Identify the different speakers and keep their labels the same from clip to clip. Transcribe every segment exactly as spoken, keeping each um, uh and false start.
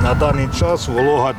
Speaker 1: На даний час волога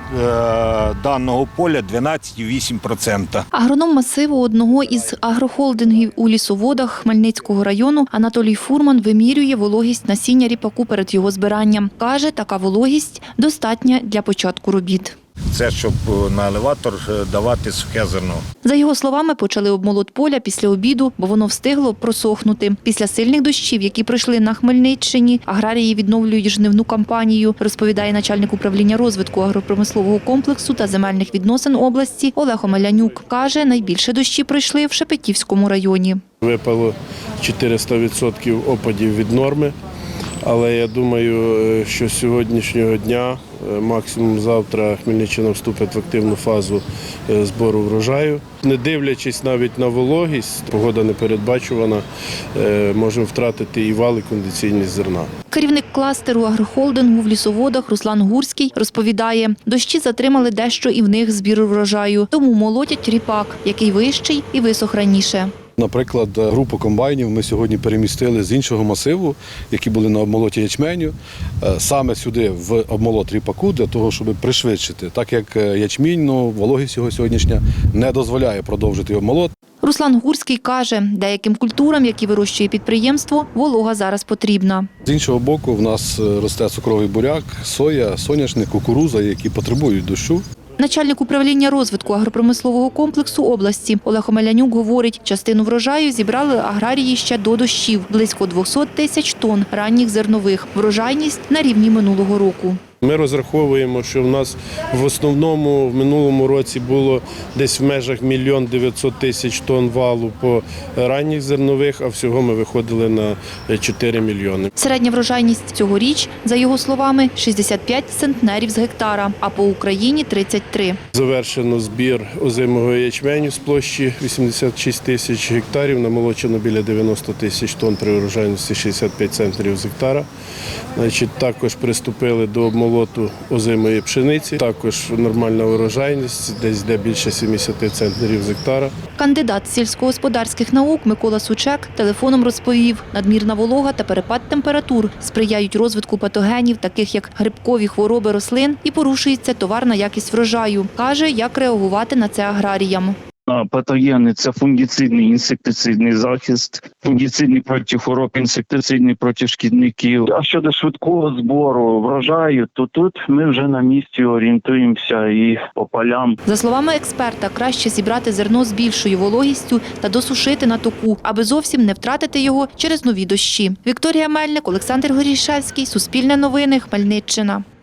Speaker 1: е, даного поля дванадцять цілих вісім десятих відсотка.
Speaker 2: Агроном масиву одного із агрохолдингів у Лісоводах Хмельницького району Анатолій Фурман вимірює вологість насіння ріпаку перед його збиранням. Каже, така вологість достатня для початку робіт.
Speaker 1: Це щоб на елеватор давати сухе зерно.
Speaker 2: За його словами, почали обмолот поля після обіду, бо воно встигло просохнути. Після сильних дощів, які пройшли на Хмельниччині, аграрії відновлюють жнивну кампанію, розповідає начальник управління розвитку агропромислового комплексу та земельних відносин області Олег Омелянюк. Каже, найбільше дощі пройшли в Шепетівському районі.
Speaker 3: Випало чотириста відсотків опадів від норми. Але я думаю, що з сьогоднішнього дня, максимум завтра, Хмельниччина вступить в активну фазу збору врожаю. Не дивлячись навіть на вологість, погода непередбачувана, можемо втратити і вал, і кондиційність зерна.
Speaker 2: Керівник кластеру агрохолдингу в Лісоводах Руслан Гурський розповідає, дощі затримали дещо і в них збір врожаю, тому молотять ріпак, який вищий і висох раніше.
Speaker 4: Наприклад, групу комбайнів ми сьогодні перемістили з іншого масиву, які були на обмолоті ячменю, саме сюди, в обмолот ріпаку, для того, щоб пришвидшити. Так як ячмінь, ну, вологість його сьогоднішня не дозволяє продовжити обмолот.
Speaker 2: Руслан Гурський каже, деяким культурам, які вирощує підприємство, волога зараз потрібна.
Speaker 4: З іншого боку, в нас росте цукровий буряк, соя, соняшник, кукурудза, які потребують дощу.
Speaker 2: Начальник управління розвитку агропромислового комплексу області Олег Омелянюк говорить, частину врожаю зібрали аграрії ще до дощів – близько двісті тисяч тонн ранніх зернових. Врожайність на рівні минулого року.
Speaker 3: Ми розраховуємо, що в нас в основному в минулому році було десь в межах мільйон дев'ятсот тисяч тонн валу по ранніх зернових, а всього ми виходили на чотири мільйони.
Speaker 2: Середня врожайність цьогоріч, за його словами, шістдесят п'ять центнерів з гектара, а по Україні – тридцять три.
Speaker 3: Завершено збір озимого ячменю з площі вісімдесят шість тисяч гектарів, намолочено біля дев'яносто тисяч тонн при врожайності шістдесят п'ять центнерів з гектара. Значить, також приступили до обмолоту озимої пшениці, також нормальна урожайність, десь де більше сімдесят центнерів з гектара.
Speaker 2: Кандидат сільськогосподарських наук Микола Сучек телефоном розповів, надмірна волога та перепад температур сприяють розвитку патогенів, таких як грибкові хвороби рослин, і порушується товарна якість врожаю. Каже, як реагувати на це аграріям.
Speaker 5: Патогени – це фунгіцидний, інсектицидний захист, фунгіцидний проти хвороб, інсектицидний проти шкідників. А щодо швидкого збору врожаю, то тут ми вже на місці орієнтуємося і по полям.
Speaker 2: За словами експерта, краще зібрати зерно з більшою вологістю та досушити на току, аби зовсім не втратити його через нові дощі. Вікторія Мельник, Олександр Горішевський, Суспільне новини, Хмельниччина.